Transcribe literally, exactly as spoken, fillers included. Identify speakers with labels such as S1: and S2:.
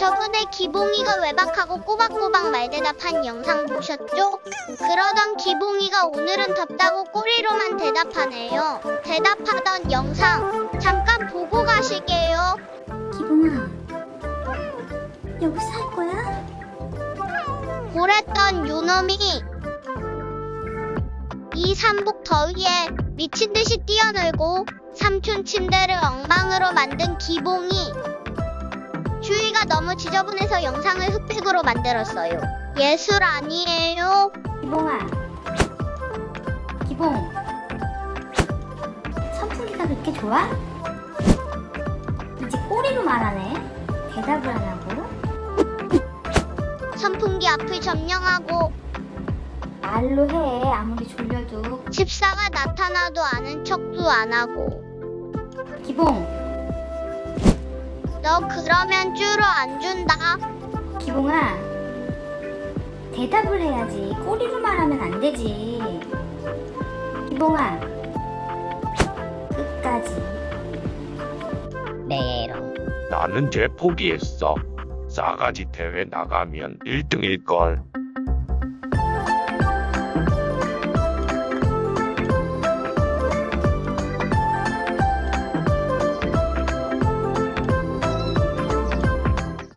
S1: 저번에 기봉이가 외박하고 꼬박꼬박 말대답한 영상 보셨죠? 그러던 기봉이가 오늘은 덥다고 꼬리로만 대답하네요. 대답하던 영상 잠깐 보고 가실게요.
S2: 기봉아, 여기서 할 거야?
S1: 그랬던 요놈이 이 삼복 더위에 미친듯이 뛰어놀고 삼촌 침대를 엉망으로 만든 기봉이. 주위가 너무 지저분해서 영상을 흑백으로 만들었어요. 예술 아니에요?
S2: 기봉아, 기봉, 선풍기가 그렇게 좋아? 이제 꼬리로 말하네. 대답을 안 하고.
S1: 선풍기 앞을 점령하고
S2: 말로 해. 아무리 졸려도.
S1: 집사가 나타나도 아는 척도 안 하고.
S2: 기봉,
S1: 너 그러면 쭈루 안 준다.
S2: 기봉아, 대답을 해야지. 꼬리로 말하면 안 되지. 기봉아, 끝까지.
S3: 메롱.
S4: 나는 쟤 포기했어. 싸가지 대회 나가면 일 등일걸.